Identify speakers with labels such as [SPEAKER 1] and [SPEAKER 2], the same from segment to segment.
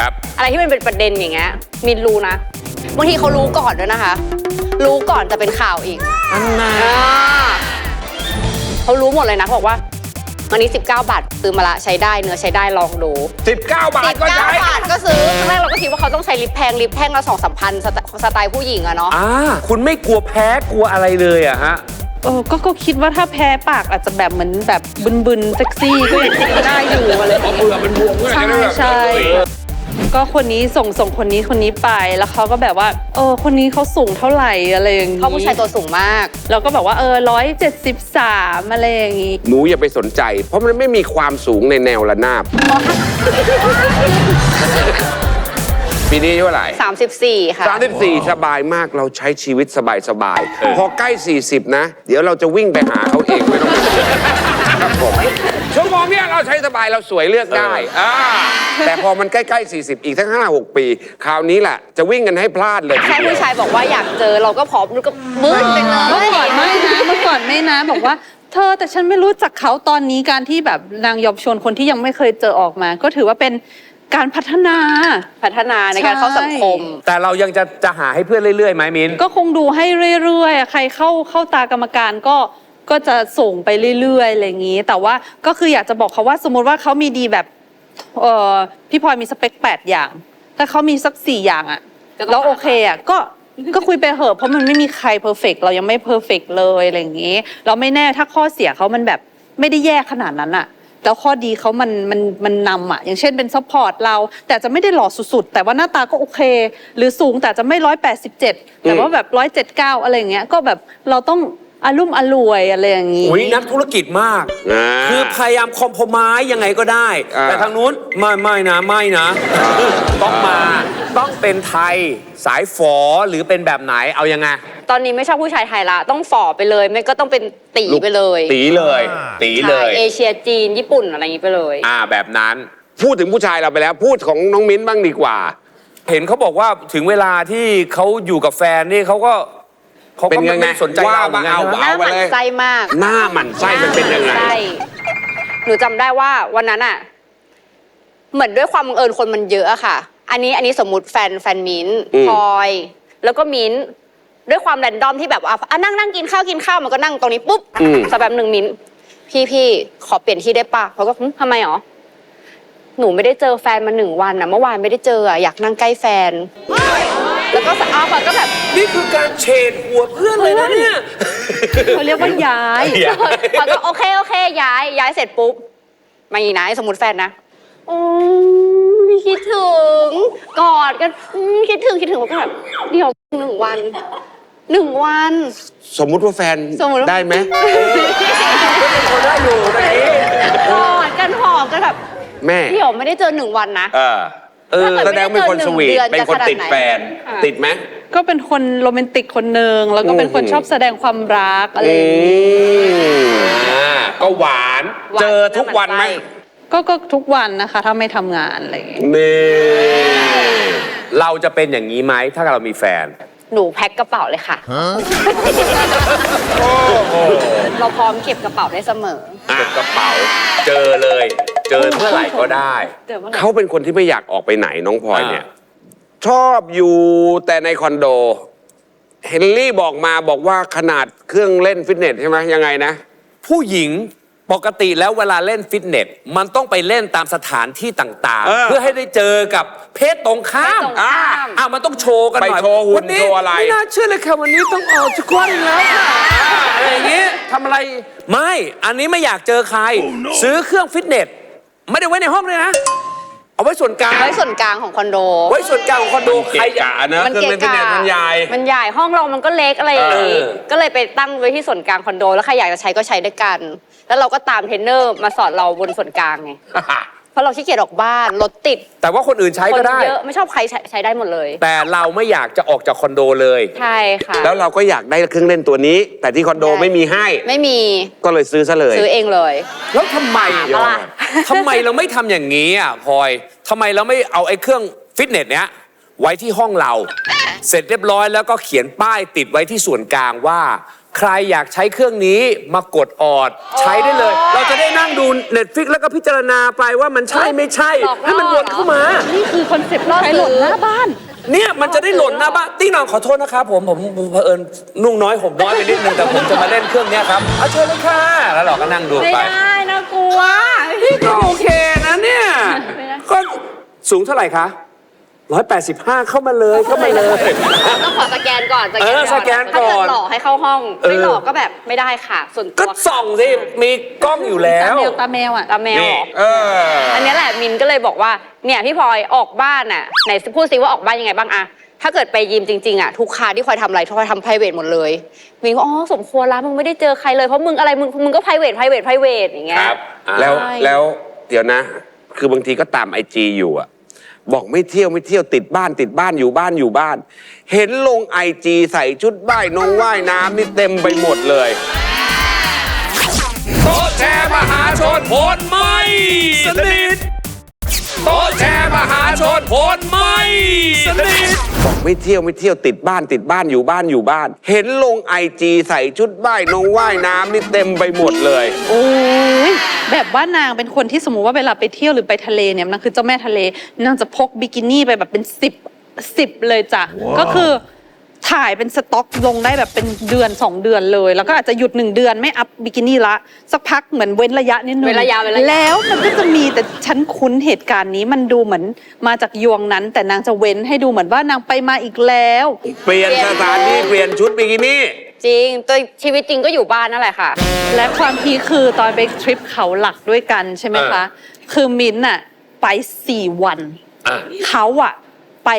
[SPEAKER 1] ครับ
[SPEAKER 2] อะไรที่มันเป็นประเด็นอย่างเงี้ยมินรู้นะบางทีเขารู้ก่อนด้วยนะคะ รู้ก่อนจะเป็นข่าวอีก
[SPEAKER 1] อันน่ะ
[SPEAKER 2] เขารู้หมดเลยนะบอกว่าวันนี้19 บาทซื้อมาละใช้ได้เนื้อใช้ได้ลองดู
[SPEAKER 1] 19 บาทก็ใช้
[SPEAKER 2] 19 บาทก็ซื้อครั้งแรกเราก็คิดว่าเขาต้องใช้ลิปแพงลิปแท่งละ2-3 พันสไตล์ผู้หญิงอะเนาะ
[SPEAKER 1] คุณไม่กลัวแพ้กลัวอะไรเลยอะฮะ
[SPEAKER 3] ก็คิดว่าถ้าแพ้ปากอาจจะแบบเหมือนแบบบึนๆเซ็กซี่ก็ยังได้อยู่อะไรแบบนี้
[SPEAKER 1] มันบวม
[SPEAKER 3] ใช่ก็คนนี้ส่งคนนี้ไปแล้วเขาก็แบบว่าคนนี้เขาสูงเท่าไหร่อะไรอย่างนี้
[SPEAKER 2] เขาผู้ชายตัวสูงมาก
[SPEAKER 3] เราก็แบบว่า173อะไรอย่างนี้
[SPEAKER 1] หนูอย่าไปสนใจเพราะมันไม่มีความสูงในแนวระนาบปีนี้เท่าไหร่
[SPEAKER 2] 34 ค่ะ
[SPEAKER 1] 34สบายมากเราใช้ชีวิตสบายพอใกล้40นะเดี๋ยวเราจะวิ่งไปหาเขาเองไม่ต้องไปครับผมชั่วโมงเนี้ยเราใช้สบายเราสวยเลือกได้แต่พอมันใกล้ๆ40อีกทั้ง5-6 ปีคราวนี้แหละจะวิ่งกันให้พลาดเลย
[SPEAKER 2] แค่ผู้ชายบอกว่าอยากเจอเราก็พร้อมก็มึนไปเลย
[SPEAKER 3] เมื่อก่อนไม่นะบอกว่าเธอแต่ฉันไม่รู้จักเขาตอนนี้การที่แบบนางยอมชวนคนที่ยังไม่เคยเจอออกมาก็ถือว่าเป็นการพัฒนา
[SPEAKER 2] ในการเข้าสังคม
[SPEAKER 1] แต่เรายังจะหาให้เพื่อนเรื่อยๆไหมมิน
[SPEAKER 3] ก็คงดูให้เรื่อยๆใครเข้าตากรรมการก็จะส่งไปเรื่อยๆอะไรอย่างนี้แต่ว่าก็คืออยากจะบอกเขาว่าสมมติว่าเขามีดีแบบพี่พลอยมีสเปค8 อย่างถ้าเขามีสัก4 อย่างอะแล้วโอเคอะก็คุยไปเหอะเพราะมันไม่มีใครเพอร์เฟกต์เรายังไม่เพอร์เฟกต์เลยอะไรอย่างนี้เราไม่แน่ถ้าข้อเสียเขามันแบบไม่ได้แย่ขนาดนั้นอะแล้วข้อดีเขามันนำอ่ะอย่างเช่นเป็นซัพพอร์ตเราแต่จะไม่ได้หล่อสุดๆแต่ว่าหน้าตาก็โอเคหรือสูงแต่จะไม่187แต่ว่าแบบ179อะไรอย่างเงี้ยก็แบบเราต้องอลุ่มอล่วยอะไรอย่างงี้
[SPEAKER 4] นักธุรกิจมากคือพยายามคอมโพมายยังไงก็ได้แต่ทางนู้นไม่นะต้องเป็นไทยสายฝอหรือเป็นแบบไหนเอายังไง
[SPEAKER 2] ตอนนี้ไม่ชอบผู้ชายไทยละต้องฝ่อไปเลยไม่ก็ต้องเป็นตีไปเลย
[SPEAKER 1] ตีเลย
[SPEAKER 2] เอเชียจีนญี่ปุ่นอะไรอย่างนี้ไปเลย
[SPEAKER 1] แบบนั้นพูดถึงผู้ชายเราไปแล้วพูดของน้องมิ้นบ้างดีกว่า
[SPEAKER 4] เห็นเขาบอกว่าถึงเวลาที่เขาอยู่กับแฟนนี่เขาก็ไม่สนใจเรา
[SPEAKER 2] หน้าหมั่นไส้มาก
[SPEAKER 1] หน้าหมั่นไส้มันเป็นยังไง
[SPEAKER 2] หนูจำได้ว่าวันนั้นอ่ะเหมือนด้วยความบังเอิญคนมันเยอะอะค่ะอันนี้สมมุติแฟนมิ้นพลอยแล้วก็มิ้นด้วยความแรนดอมที่แบบว่านั่งกินข้าวมันก็นั่งตรงนี้ปุ๊บสักแบบหนึ่งมิ้นพี่ขอเปลี่ยนที่ได้ปะเขาก็ทำไมหรอหนูไม่ได้เจอแฟนมา1 วันนะเมื่อวานไม่ได้เจออยากนั่งใกล้แฟนแล้วก็เขาก็แบบ
[SPEAKER 4] นี่คือการเฉดหัวเพื่อนเลยนะเนี่ย
[SPEAKER 3] เขาเรียกว่าย้าย
[SPEAKER 2] เขาก็โอเคย้ายเสร็จปุ๊บมาอีกนะสมมติแฟนนะคิดถึงกอดกันคิดถึงแล้วก็แบบเดี๋ยว1 วัน
[SPEAKER 1] สมมุติว่าแฟนได้ไหม
[SPEAKER 4] เขาได้อยู่ตอนนี้
[SPEAKER 2] กอดกันหอมกันแบบ
[SPEAKER 1] แม่
[SPEAKER 2] เดี๋ยวไม่ได้เจอ1 วันนะ
[SPEAKER 1] แสดงเป็นคนสวีทเป็นคนติดแฟนติดไหม
[SPEAKER 3] ก็เป็นคนโรแมนติกคนหนึ่งแล้วก็เป็นคนชอบแสดงความรักอะไรอย่างนี้
[SPEAKER 1] ก็หวานเจอทุกวันไหม
[SPEAKER 3] ก็ทุกวันนะคะถ้าไม่ทำงานอะไรอย่างเงี้ย
[SPEAKER 4] เราจะเป็นอย่างนี้ไหมถ้าเรามีแฟน
[SPEAKER 2] หนูแพ็คกระเป๋าเลยค่ะเราพร้อมเก็บกระเป๋าได้เสมอ
[SPEAKER 1] เก็บกระเป๋าเจอเลยเจอเมื่อไหร่ก็ได้เขาเป็นคนที่ไม่อยากออกไปไหนน้องพลอยเนี่ยชอบอยู่แต่ในคอนโดเฮนรี่บอกว่าขนาดเครื่องเล่นฟิตเนสใช่ไหมยังไงนะ
[SPEAKER 4] ผู้หญิงปกติแล้วเวลาเล่นฟิตเนสมันต้องไปเล่นตามสถานที่ต่างๆเพื่อให้ได้เจอกับเพศตรงข้ามมันต้องโชว์กันหน่อย
[SPEAKER 1] ไปโชว์หุ่นโชว์อะไร
[SPEAKER 4] ไม่น่าเชื่อเลยค่ะวันนี้ต้องออกจากวันแล้วค่ะอะไรอย่างงี้ทำอะไรไม่อันนี้ไม่อยากเจอใครซื้อเครื่องฟิตเนสไม่ได้ไว้ในห้องเลยนะเอาไว้ส่วนกลาง
[SPEAKER 2] ของคอนโด
[SPEAKER 4] ไว้ส่วนกลางของคอนโด
[SPEAKER 1] ใครกะนะเครื่องเล่นฟิตเนสมันใ
[SPEAKER 2] หญ่ห้องเรามันก็เล็กอะไรอย่างนี้ก็เลยไปตั้งไว้ที่ส่วนกลางคอนโดแล้วใครอยากจะใช้ก็ใช้ด้วยกันแล้วเราก็ตามเทรนเนอร์มาสอนเราบนส่วนกลางไงเพราะเราขี้เกียจออกบ้านรถติด
[SPEAKER 4] แต่ว่าคนอื่นใช้ก็ได้
[SPEAKER 2] เยอะไม่ชอบใครใช้ได้หมดเลย
[SPEAKER 4] แต่เราไม่อยากจะออกจากคอนโดเลย
[SPEAKER 2] ใช่ค่ะ
[SPEAKER 1] แล้วเราก็อยากได้เครื่องเล่นตัวนี้แต่ที่คอนโดไม่มีให้
[SPEAKER 2] ไม่มี
[SPEAKER 1] ก็เลยซื้อซะเลย
[SPEAKER 2] ซื้อเองเลย
[SPEAKER 4] แล้วทำไมเราไม่ทำอย่างนี้อ่ะพลอยทำไมเราไม่เอาไอ้เครื่องฟิตเนสเนี้ยไว้ที่ห้องเราเสร็จเรียบร้อยแล้วก็เขียนป้ายติดไว้ที่ส่วนกลางว่าใครอยากใช้เครื่องนี้มากดออดใช้ได้เลย เราจะได้นั่งดู Netflix แล้วก็พิจารณาไปว่ามันใช่ไม่ใช่
[SPEAKER 2] หลอกล่อ
[SPEAKER 4] ให้มันวนเข้ามา
[SPEAKER 3] นี่คือคอนเซ็ปต์ใช้หล่นหน้าบ้าน
[SPEAKER 4] เนี่ยมันจะได้หล่นหน้าบ้านติ๊งหน้องขอโทษนะครับผมเผอิญนุ่งน้อยผมน้อยไปนิดนึงแต่ผมจะมาเล่นเครื่องเนี้ยครับเอาเชิญเลยค่ะแล้วเราก็นั่งดู
[SPEAKER 2] ไม่
[SPEAKER 4] ไป
[SPEAKER 2] ได้นะกลัว
[SPEAKER 4] นี่ก็โอเคนะเนี่ยก็สูงเท่าไหร่คะ185เข้ามาเลยเข้ามาเลย
[SPEAKER 2] ต้องขอสแกนก่อน
[SPEAKER 4] สแกนก่อน
[SPEAKER 2] ถ้าเกิดหลอกให้เข้าห้องไม่หลอกก็แบบไม่ได้ค่ะ ส่วน
[SPEAKER 4] ก็
[SPEAKER 2] ตัว
[SPEAKER 4] ส่องสิมีกล้องอยู่แล้
[SPEAKER 3] ตาว แมวอ่ะ
[SPEAKER 2] ตาแมวเหรอ
[SPEAKER 1] เออ
[SPEAKER 2] อันนี้แหละมินก็เลยบอกว่าเนี่ยพี่พลอยออกบ้านอ่ะไหนพูดซิว่าออกบ้านยังไงบ้างอะถ้าเกิดไปยิมจริงๆอะทุกคาที่พลอยทำอะไรพลอยทำ private หมดเลยมินก็อ๋อสมควรละมึงไม่ได้เจอใครเลยเพราะมึงอะไรมึงก็ private อย่างเงี้ย
[SPEAKER 1] แล้ว
[SPEAKER 3] ใช่
[SPEAKER 1] แล้วเดี๋ยวนะ คือบางทีก็ตามIGอยู่อะบอกไม่เที่ยวติดบ้านอยู่บ้าน เห็นลงIGใส่ชุดว่ายน้ำนี่เต็มไปหมดเลยโต๊ะแชร์มหาชนผลไม่สนิทโต๊ะแชร์มหาชนผลไม่สนิทบอกไม่เที่ยวติดบ้านอยู่บ้าน เห็นลงIGใส่ชุดว่ายน้ำนี่เต็มไปหมดเลย
[SPEAKER 3] โอ้ยแบบว่านางเป็นคนที่สมมุติว่าเวลาไปเที่ยวหรือไปทะเลเนี่ยนางคือเจ้าแม่ทะเลนางจะพกบิกินี่ไปแบบเป็น10เลยจ้ะก็คือถ่ายเป็นสต็อกลงได้แบบเป็นเดือน2 เดือนเลย แล้วก็อาจจะหยุด1 เดือนไม่อัพบิกินี่ละสักพักเหมือนเว้นระยะนิดนึง
[SPEAKER 2] เว้นระยะ
[SPEAKER 3] แล้วมันก็จะมีแต่ฉันคุ้นเหตุการณ์นี้มันดูเหมือนมาจากยวงนั้น แต่นางจะเว้นให้ดูเหมือนว่านางไปมาอีกแล้ว
[SPEAKER 1] เปลี่ยนสถานที่เปลี่ยนชุดบิกินี่
[SPEAKER 2] จริงตัวชีวิตจริงก็อยู่บ้านนั่นแหละค่ะ
[SPEAKER 3] และความพีคคือตอนไปทริปเขาหลักด้วยกันใช่ไหมคะ คือมิ้นท์น่ะไป4 วัน เขาอะไป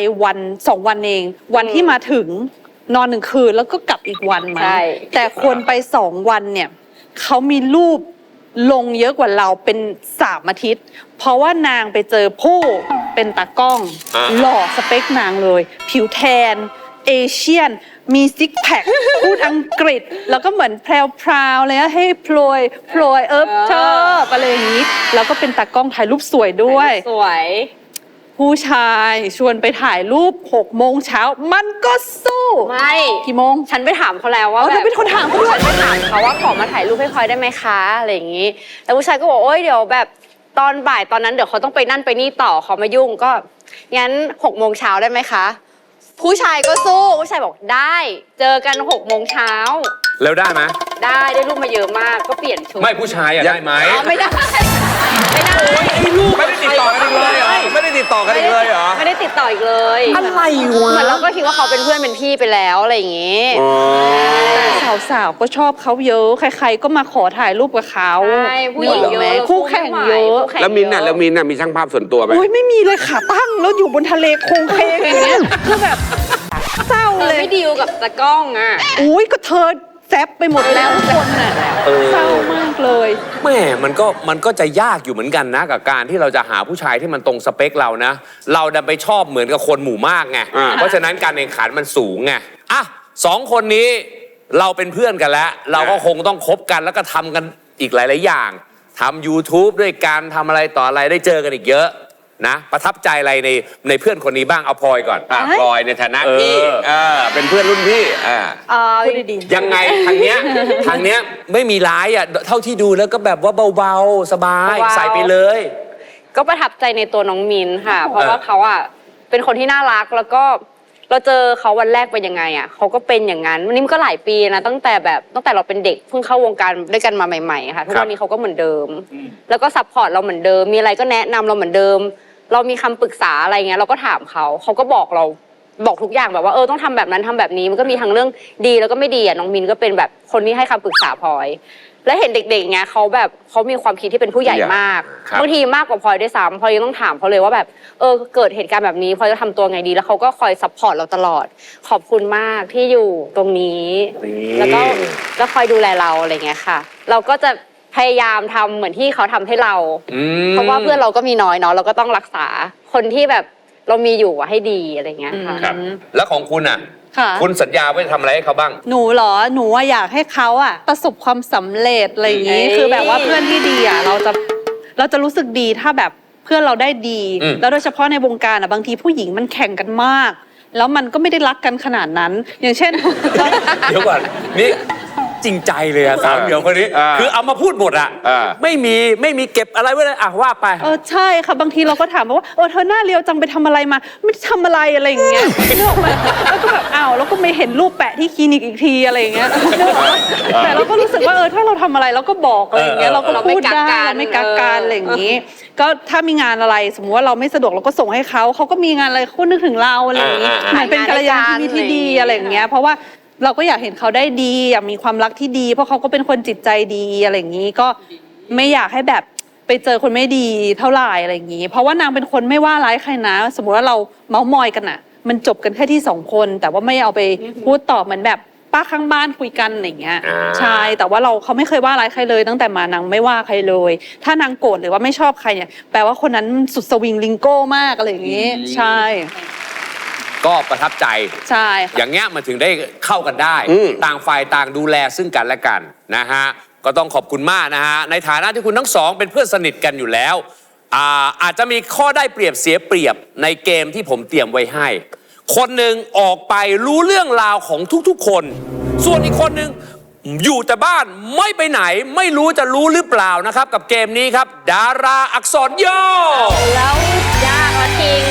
[SPEAKER 3] 2 วันเอง วันที่มาถึงนอน1 คืนแล้วก็กลับอีกวันมา
[SPEAKER 2] ใช่
[SPEAKER 3] แต่คนไป2 วันเนี่ยเขามีรูปลงเยอะกว่าเราเป็น3 อาทิตย์ เพราะว่านางไปเจอผู้เป็นตากล้อง หล่อสเปคนางเลย ผิวแทน เอเชียน มีซิกแพค พูดอังกฤษ แล้วก็เหมือนแพรวๆเลยนะให้พลอยชอบอะไรอย่างนี้ แล้วก็เป็นตากล้องถ่ายรูปสวยด้วย
[SPEAKER 2] สวย
[SPEAKER 3] ผู้ชายชวนไปถ่ายรูป6 โมงเช้า มันก็สู้
[SPEAKER 2] ไม่
[SPEAKER 3] กี่โมง
[SPEAKER 2] ฉันไปถามเขาแล้วว่า
[SPEAKER 3] อ๋อเธอเป็นคนถามเขาด้วย
[SPEAKER 2] ฉันไปถามเขาว่าขอมาถ่ายรูปให้พลอยได้ไหมคะอะไรอย่างนี้แต่ผู้ชายก็บอกโอ๊ยเดี๋ยวแบบตอนบ่ายตอนนั้นเดี๋ยวเขาต้องไปนั่นไปนี่ต่อเขามายุ่งก็งั้น6 โมงเช้าได้ไหมคะผู้ชายก็สู้ผู้ชายบอกได้เจอกัน6 โมงเช้า
[SPEAKER 4] แล้วได้ไหม
[SPEAKER 2] ได้รูปมาเยอะมากก็เปลี่ยนชุด
[SPEAKER 4] ไม่ผู้ชายอะได้ไหม
[SPEAKER 2] อ๋อไม่ได้ไม่ได้
[SPEAKER 1] ไม่ได้ติดต่อกันอีกเลยเหรอ ไม่ได้ติดต่อกันอีกเลยเหรอ
[SPEAKER 2] ไม่ได้ติดต่ออีกเลย
[SPEAKER 4] อะไรวะ
[SPEAKER 2] เหมือนเราก็คิดว่าเขาเป็นเพื่อนเป็นพี่ไปแล้วอะไรอย่างงี้
[SPEAKER 3] แต่สาวๆก็ชอบเขาเยอะ ใครๆก็มาขอถ่ายรูปกับเขา
[SPEAKER 2] ใช่ผู้หญิงเยอะ
[SPEAKER 3] คู่แข่งเยอะ
[SPEAKER 2] คู่ข่ง
[SPEAKER 1] แล้วมินท์น่ะมีช่างภาพส่วนตัวไหม
[SPEAKER 3] โอ้ยไม่มีเลยขาตั้งแล้วอยู่บนทะเลโคงเคงอย่างเงี้ยคือแบบเศร้า
[SPEAKER 2] เธอ
[SPEAKER 3] เลย
[SPEAKER 2] ไม่ดีลกับตากล้องอ่ะ
[SPEAKER 3] อุ้ยก็เธอแซบไปหมดแล้วทุกคนน่ะเศร้ามากเลย
[SPEAKER 4] แม่มันก็จะยากอยู่เหมือนกันนะกับการที่เราจะหาผู้ชายที่มันตรงสเปคเรานะ เราดันไปชอบเหมือนกับคนหมู่มากไง เพราะฉะนั้นการแข่งขันมันสูงไงอ่ะ2 คนนี้เราเป็นเพื่อนกันแล้ว เราก็คงต้องคบกันแล้วก็ทำกันอีกหลายๆอย่างทำ YouTube ด้วยกันทำอะไรต่ออะไรได้เจอกันอีกเยอะนะประทับใจอะไรในเพื่อนคนนี้บ้างเอาพลอยก่อน
[SPEAKER 1] พลอยในฐานะพี่เป็นเพื่อนรุ่นพี่
[SPEAKER 3] พูดดี
[SPEAKER 4] ยังไงทางเนี้ยไม่มีร้ายอ่ะเท่าที่ดูแล้วก็แบบว่าเบาๆสบาย
[SPEAKER 2] เบาๆ
[SPEAKER 4] ใส่ไปเลย
[SPEAKER 2] ก็ประทับใจในตัวน้องมินค่ะ เพราะว่าเขาอ่ะเป็นคนที่น่ารักแล้วก็เราเจอเขาวันแรกเป็นยังไงอ่ะเขาก็เป็นอย่างนั้นวันนี้มันก็หลายปีนะตั้งแต่เราเป็นเด็กเพิ่งเข้าวงการด้วยกันมาใหม่ๆค่ะทุกวันนี้เขาก็เหมือนเดิม แล้วก็ซัพพอร์ตเราเหมือนเดิมมีอะไรก็แนะนำเราเหมือนเดิม เรามีคำปรึกษาอะไรเงี้ยเราก็ถามเขาก็บอกเราบอกทุกอย่างแบบว่าต้องทำแบบนั้นทำแบบนี้มันก็มีทั้งเรื่องดีแล้วก็ไม่ดีอ่ะน้องมินก็เป็นแบบคนที่ให้คำปรึกษาพลอย และเห็นเด็กๆเงี้ยเขามีความคิดที่เป็นผู้ใหญ่มาก
[SPEAKER 1] ครับ
[SPEAKER 2] บางทีมากกว่าพลอยด้วยซ้ำพลอยยังต้องถามเขาเลยว่าแบบเกิดเหตุการณ์แบบนี้พลอยจะทำตัวไงดีแล้วเขาก็คอยซัพพอร์ตเราตลอดขอบคุณมากที่อยู่ตรงนี้ แล้วคอยดูแลเราอะไรเงี้ยค่ะ เราก็จะพยายามทำเหมือนที่เขาทำให้เรา เพราะว่าเพื่อนเราก็มีน้อยเนาะเราก็ต้องรักษาคนที่แบบเรามีอยู่อะให้ดีอะไรเงี้ยค่ะ
[SPEAKER 4] ครับ แล้วของคุณอ่ะ
[SPEAKER 3] ค่ะ
[SPEAKER 4] คุณสัญญาไว้จะทำอะไรให้เขาบ้าง
[SPEAKER 3] หนูเหรอหนูว่าอยากให้เขาอะประสบความสำเร็จอะไรอย่างงี้
[SPEAKER 2] เอ้ย
[SPEAKER 3] คือแบบว่าเพื่อนที่ดีอะเราจะรู้สึกดีถ้าแบบเพื่อนเราได้ดี แล้วโดยเฉพาะในวงการอะบางทีผู้หญิงมันแข่งกันมาก แล้วมันก็ไม่ได้รักกันขนาดนั้น อย่างเช่น
[SPEAKER 4] เดี๋ยวก่อนนี่จริงใจเลยอะสาวเหมียวคนนี้ คือเอามาพูดหมดอะไม่มีเก็บอะไรไว้เลยอะว่าไป
[SPEAKER 3] ใช่ค่ะบางทีเราก็ถามว่าเธอหน้าเรียวจังไปทำอะไรมาไม่ได้ทำอะไรอะไรอย่างเงี้ยนึกออกไหมแล้วก็แบบอ้าวแล้วก็ไม่เห็นรูปแปะที่คลินิกอีกทีอะไรอย่างเงี้ยนึกออกไหมแต่เราก็รู้สึกว่าถ้าเราทำอะไรเราก็บอกอะไรอย่างเงี้ยเราก็พูดได้เราไม่กักกันอะไรอย่างงี้ ก็ถ้ามีงานอะไรสมมุติว่าเราไม่สะดวกเราก็ส่งให้เขาก็มีงานอะไรเขานึกถึงเราอะไรอย่างงี้เหมือนเป็นกัลยาณมิตรที่ดีอะไรอย่างเงี้ยเพราะว่าเราก็อยากเห็นเขาได้ดีอยากมีความรักที่ดีเพราะเขาก็เป็นคนจิตใจดีอะไรอย่างงี้ก็ไม่อยากให้แบบไปเจอคนไม่ดีเท่าไหร่อะไรอย่างงี้เพราะว่านางเป็นคนไม่ว่าร้ายใครนะสมมุติว่าเราเมาท์มอยกันอะมันจบกันแค่ที่2 คนแต่ว่าไม่เอาไปพูดต่อเหมือนแบบป้าข้างบ้านคุยกันอย่างเงี้ยใช่แต่ว่าเขาไม่เคยว่าร้ายใครเลยตั้งแต่มานางไม่ว่าใครเลย ถ้านางโกรธหรือว่าไม่ชอบใครเนี่ยแปลว่าคนนั้นสุดสวิงลิงโก้มากอะไรอย่างงี้ใช่
[SPEAKER 4] ก็ประทับใจ
[SPEAKER 3] ใช่ค่ะ
[SPEAKER 4] อย่างเงี้ยมันถึงได้เข้ากันได้ ต่างฝ่ายต่างดูแลซึ่งกันและกันนะฮะก็ต้องขอบคุณมากนะฮะในฐานะที่คุณทั้งสองเป็นเพื่อนสนิทกันอยู่แล้วอาจจะมีข้อได้เปรียบเสียเปรียบในเกมที่ผมเตรียมไว้ให้ คนหนึ่งออกไปรู้เรื่องราวของทุกๆคน ส่วนอีกคนหนึ่งอยู่แต่บ้านไม่ไปไหนไม่รู้จะรู้หรือเปล่านะครับกับเกมนี้ครับดาราอักษรย่อ
[SPEAKER 2] แล้วยากละทิง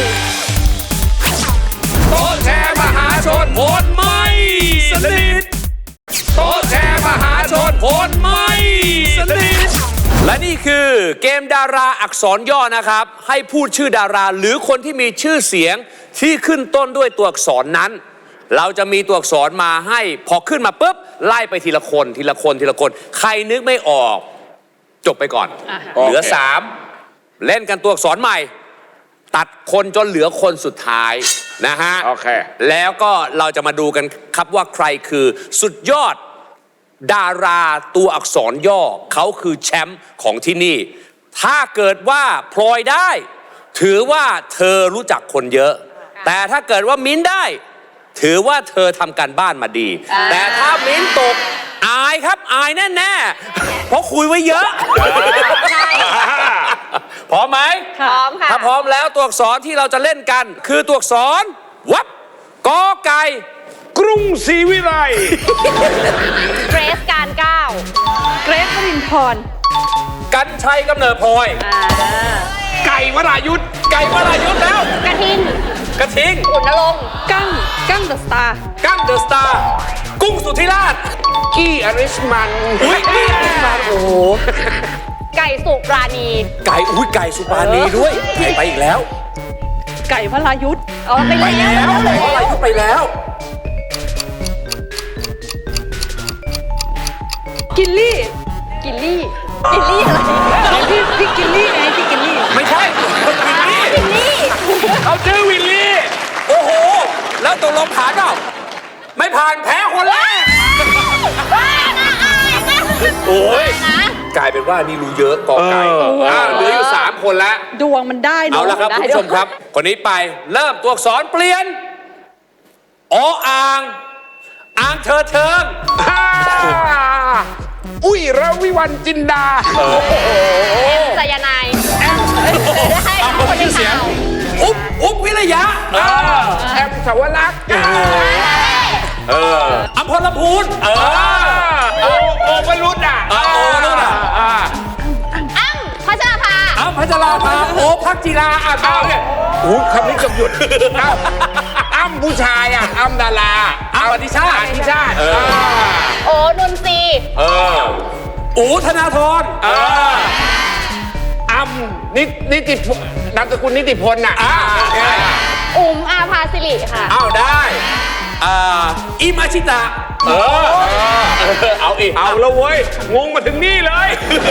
[SPEAKER 4] โต๊ะแชร์มหาชนโหดไม่สนิทโต๊ะแชร์มหาชนโหดไม่สนิทและนี่คือเกมดาราอักษรย่อนะครับให้พูดชื่อดาราหรือคนที่มีชื่อเสียงที่ขึ้นต้นด้วยตัวอักษรนั้น เราจะมีตัวอักษรมาให้พอขึ้นมาปุ๊บไล่ไปทีละคนทีละคนทีละคนใครนึกไม่ออกจบไปก่อนเหลือ3เล่นกันตัวอักษรใหม่ตัดคนจนเหลือคนสุดท้ายนะฮะ
[SPEAKER 1] โอเค
[SPEAKER 4] แล้วก็เราจะมาดูกันครับว่าใครคือสุดยอดดาราตัวอักษรย่อเขาคือแชมป์ของที่นี่ ถ้าเกิดว่าพลอยได้ ถือว่าเธอรู้จักคนเยอะ แต่ถ้าเกิดว่ามิ้นได้ ถือว่าเธอทำการบ้านมาดี แต่ถ้ามิ้นตกอายครับอายแน่ๆเพราะคุยไว้เยอะ
[SPEAKER 2] ใช่
[SPEAKER 4] พร้อมไหม
[SPEAKER 2] พร้อมค่ะ
[SPEAKER 4] ถ้าพร้อมแล้วตัวอักษรที่เราจะเล่นกัน คือตัวอักษรวับกอไก่
[SPEAKER 1] กรุงศรีวิไล
[SPEAKER 2] เกรซการก้าว
[SPEAKER 3] เกรซวรินทร์
[SPEAKER 4] กันชัยกำเนิดพลอย
[SPEAKER 1] ไก่วรายุทธ
[SPEAKER 4] ไก่วรายุทธแล้ว
[SPEAKER 2] กระทิง
[SPEAKER 4] กระทิง
[SPEAKER 2] ขุนนรงค์
[SPEAKER 3] กั้งเดอะสตาร์
[SPEAKER 4] กั้งเดอะสตาร์กุ้งสุธิราช
[SPEAKER 1] กี้อริสมัน
[SPEAKER 4] อุ้ยนี่มาโอ้โห
[SPEAKER 2] ไก่สุปราณี
[SPEAKER 4] ไก่อุ้ยไก่สุปราณีด้วยไก่ไปอีกแล้ว
[SPEAKER 3] ไก่วรายุทธ
[SPEAKER 2] ไป
[SPEAKER 4] ไป
[SPEAKER 2] แล้
[SPEAKER 4] แล้ว วไก่วรายุทธไปแล้ว
[SPEAKER 3] กิลลี่
[SPEAKER 2] กิลลี่อะไร
[SPEAKER 3] พี่กิลลี่ไงพี่กิลลี่
[SPEAKER 4] ไม่ใช่คนวิลลี่
[SPEAKER 2] กิลลี่
[SPEAKER 4] เขาชื่อวิลลี่โอ้โหแล้วตกลงผ่านเปล่าไม่ผ่านแพ้คนแรก
[SPEAKER 2] บ้านะอายนะ
[SPEAKER 4] โอ้ย
[SPEAKER 2] นะ
[SPEAKER 4] กลายเป็นว่านี่รู้เยอะกอไก่เหลืออยู่3คนแล้ว
[SPEAKER 3] ดวงมันได้เน
[SPEAKER 4] เอา
[SPEAKER 3] อะ
[SPEAKER 4] ละครับคุณผู้ชมครับ คนนี้ไปเริ่มตัวอักษรเปลี่ยนอ่างเธอเทิง
[SPEAKER 1] อุ้ยระวิวันจินดา
[SPEAKER 2] สายนายให้คนในข่าว
[SPEAKER 4] อุ๊บวิริยะ
[SPEAKER 1] แอมสาวรักษ์
[SPEAKER 4] อัมพลลำพูน
[SPEAKER 1] โอวรุษอ่ะ
[SPEAKER 4] นู่นอ่ะ
[SPEAKER 2] อ้ำพัชราภา
[SPEAKER 4] อัมพัชราภาโอพักจีราเอาเนี่ย
[SPEAKER 1] อู้คำนี้เกับหยุดอ้ำผู้ชายอ่ะอ้ำดารา
[SPEAKER 4] อัมอธิชาติ
[SPEAKER 1] อธิชาติ
[SPEAKER 2] โอ้นนทรี
[SPEAKER 4] อูธนาธร
[SPEAKER 1] อ้ำนิติพลนามสกุลนิติพลน่ะ
[SPEAKER 2] อุ๋มอาภาสิริค่ะ
[SPEAKER 4] เอาได้อิมาชิตะเอาอีก
[SPEAKER 1] เอาแล้วเว้ย งงมาถึงนี่เลย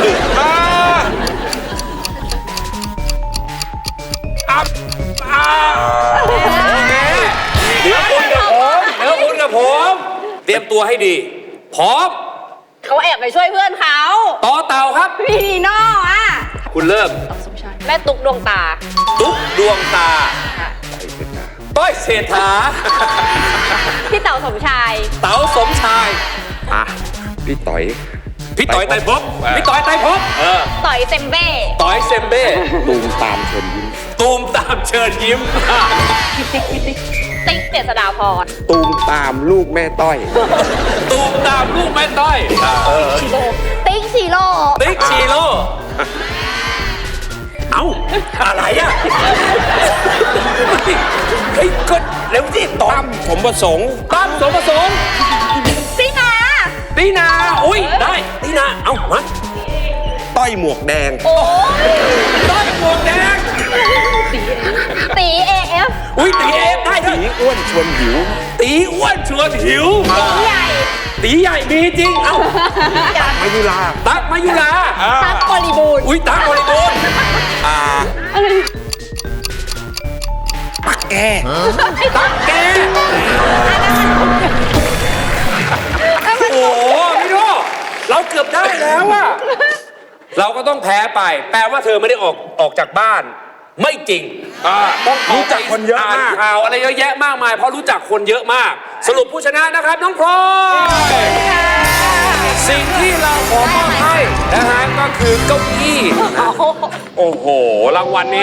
[SPEAKER 4] เดี๋ยวคุณกับผมเตรียมตัวให้ดีพร้อม
[SPEAKER 2] เขาแอบไปช่วยเพื่อนเขา
[SPEAKER 4] ต่อเต่าครับ
[SPEAKER 2] พี่นีโน่อะ
[SPEAKER 4] คุณเริ่ม
[SPEAKER 2] แม่ตุ๊กดวงตา
[SPEAKER 4] ตุ๊กดวงตา ต้อยเศรษฐา
[SPEAKER 2] พี่เต๋าสมชาย
[SPEAKER 4] เต๋าสมชาย
[SPEAKER 1] พี่ต่อย
[SPEAKER 4] พี่ต่อยไต่ภพพี่ต่อยไต่ภพ
[SPEAKER 2] ต่อยเซมเบ้
[SPEAKER 4] ต่อยเซมเบ้
[SPEAKER 1] ตูมตามเชิญยิ้ม
[SPEAKER 4] ตูมตามเชิญยิ้ม
[SPEAKER 2] ติ๊กเจษฎาพร
[SPEAKER 1] ตูมตามลูกแม่ต้อย
[SPEAKER 4] ตูมตาามลูกแม่ต้อย
[SPEAKER 2] ติ๊กชิโร่
[SPEAKER 4] ติ๊กชีโร่เอ้าอะไรอ่ะเฮ้ยก็เร็วสิตอบ
[SPEAKER 1] ตั้มผมประสงค์
[SPEAKER 4] ตั้มสมประสงค์
[SPEAKER 2] ตินา
[SPEAKER 4] ตีนาอุ้ยได้ตีนาเอ้ามา
[SPEAKER 1] ต้อยหมวกแดง
[SPEAKER 2] โอ้ย
[SPEAKER 4] ต้อยหมวกแดง
[SPEAKER 2] ตีเอฟ
[SPEAKER 4] อุ้ยตีเอฟได้ด้วย
[SPEAKER 1] ผีอ้วนชวนหิว
[SPEAKER 4] ตีอ้วนชวนหิว
[SPEAKER 2] ตีใหญ่
[SPEAKER 4] ตีใหญ่มีจริงเอ้า
[SPEAKER 1] มายุรา
[SPEAKER 4] ตั๊กมายุรา
[SPEAKER 2] ตั๊กบริบูรณ์
[SPEAKER 4] อุ้ยตั๊กบริบูรณ์
[SPEAKER 1] ปักแก
[SPEAKER 4] ตั๊กแกโอ้โหพี่โดเราเกือบได้แล้วอะเราก็ต้องแพ้ไป แปลว่าเธอไม่ได้ออกจากบ้าน ไม่จริงต้อง
[SPEAKER 1] รู้จักคนเยอะมาก
[SPEAKER 4] นข่าวอะไรเยอะแยะมากมาย เพราะรู้จักคนเยอะมาก สรุปผู้ชนะนะครับน้องพลอยสิ่งที่เราขอมอบให้นะฮะก็คือเก้าอี้นะโอ้โหรางวัลนี้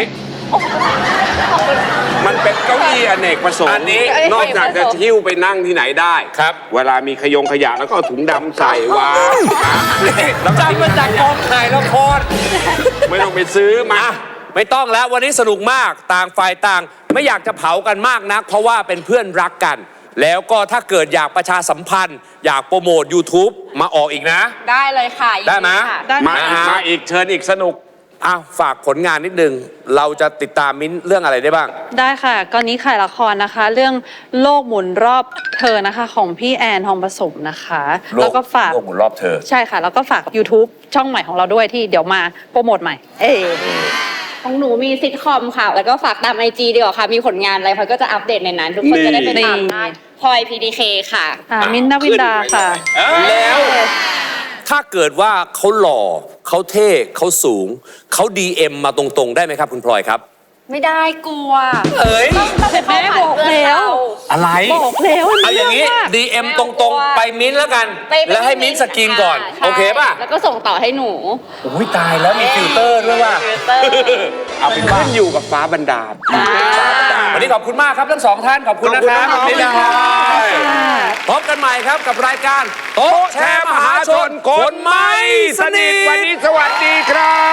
[SPEAKER 1] มันเป็นเก้าอี้อเนกประสงค์
[SPEAKER 4] อันนี้
[SPEAKER 1] นอกจากจะหิ้วไปนั่งที่ไหนได้
[SPEAKER 4] ครับ
[SPEAKER 1] เวลามีขยะแล้วก็เอาถุงดำใส่วาง
[SPEAKER 4] จำมาจากกองถ่ายละคร
[SPEAKER 1] ไม่ต้องไปซื้อมา
[SPEAKER 4] ไม่ต้องแล้ววันนี้สนุกมากต่างฝ่ายต่าง ไม่อยากจะเผากันมากนัก เพราะว่าเป็นเพื่อนรักกัน แล้วก็ถ้าเกิดอยากประชาสัมพันธ์ อยากโปรโมท YouTube มาออกอีกนะ
[SPEAKER 2] ได้เลยค่ะ
[SPEAKER 4] ได้ไหม
[SPEAKER 3] ได้
[SPEAKER 1] มาอีกมาอีกเชิญอีกสนุก
[SPEAKER 4] อ้าวฝากผลงานนิดนึง เราจะติดตามมิ้นท์เรื่องอะไรได้บ้าง
[SPEAKER 3] ได้ค่ะก็นี้ขายละครนะคะ เรื่องโลกหมุนรอบเธอนะคะ ของพี่แอนทองผสมนะคะ แล้วก็ฝาก
[SPEAKER 4] โลกหมุนรอบเธอ
[SPEAKER 3] ใช่ค่ะ แล้วก็ฝาก YouTube ช่องใหม่ของเราด้วยที่เดี๋ยวมาโปรโมทใหม่
[SPEAKER 2] ของหนูมีซิทคอมค่ะ แล้วก็ฝากตามไอจีดีกว่าค่ะ มีผลงานอะไรพลอยก็จะอัปเดตในนั้น ทุกคนจะได้ไปตามได้พลอย PDK ค่ะ
[SPEAKER 3] มิ้นท์นวินดาค่ะ
[SPEAKER 4] แล้วถ้าเกิดว่าเขาหล่อเขาเท่เขาสูงเขา DM มาตรงๆ ได้ไหมครับคุณพลอยครับ
[SPEAKER 2] ไม่ได้กลัว
[SPEAKER 4] เอ้ย
[SPEAKER 2] ต้องไปเข้าผ่านเพื่อนเรา
[SPEAKER 4] อะไร
[SPEAKER 3] บอกแล้ว
[SPEAKER 4] เอาอย่างนี้
[SPEAKER 3] นี้
[SPEAKER 4] DM ตรงๆ ไปมิ้นท์แล้วกัน
[SPEAKER 2] ไป
[SPEAKER 4] แล้วให้มิ้นท์สกรีนก่อน
[SPEAKER 2] ใช่
[SPEAKER 4] โอเคป่ะ
[SPEAKER 2] แล้วก็ส่งต่อให้หนู
[SPEAKER 4] อุ้ยตายแล้วมีฟิลเตอร์ด้วยว่ะ
[SPEAKER 2] ฟิลเตอร์
[SPEAKER 1] เอาเป็นขึ้นอยู่กับฟ้าบันดาล
[SPEAKER 4] วันนี้ขอบคุณมากครับทั้งสองท่านขอบคุณนะครับ
[SPEAKER 1] ขอบคุณครับ
[SPEAKER 4] พบกันใหม่ครับกับรายการโต๊ะแชร์มหาชนคนไม่สนิท
[SPEAKER 1] วันนี้สวัสดีครับ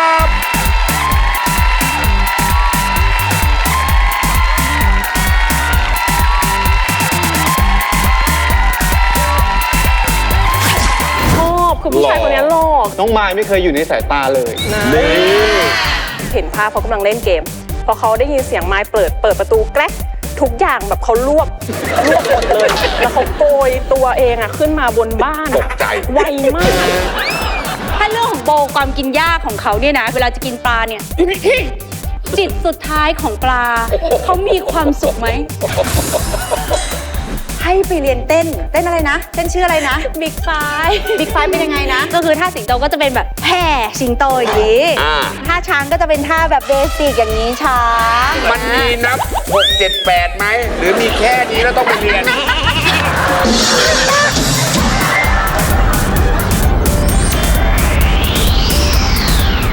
[SPEAKER 5] ชอบคือผู้ชายคนนี้หล่อ
[SPEAKER 6] น้องมายไม่เคยอยู่ในสายตาเลย
[SPEAKER 5] เห็นภาพเขากำลังเล่นเกม พอเขาได้ยินเสียงไม้เปิดประตูแกรกทุกอย่างแบบเขารวบหมดเลย แล้วเขาโกยตัวเองอะขึ้นมาบนบ้าน
[SPEAKER 1] ตกใจ
[SPEAKER 5] ไวมาก
[SPEAKER 2] ถ้าเรื่องของโบความกินยากของเขาเนี่ยนะ เวลาจะกินปลาเนี่ย จิตสุดท้ายของปลา เขามีความสุขไหม
[SPEAKER 7] ให้ไปเรียนเต้นอะไรนะ เต้นชื่ออะไรนะ
[SPEAKER 2] บิ๊กไฟ
[SPEAKER 7] บิ๊กไฟเป็นยังไงนะ
[SPEAKER 2] ก็คือท่าสิงโตก็จะเป็นแบบแผ่
[SPEAKER 7] สิงโตอย่างนี้
[SPEAKER 1] อ่า
[SPEAKER 7] ท่าช้างก็จะเป็นท่าแบบเบสิกอย่างนี้ช้าง
[SPEAKER 1] มันมีนับ 6 7 8 ไหม หรือมีแค่นี้แล้วต้องไปเรียน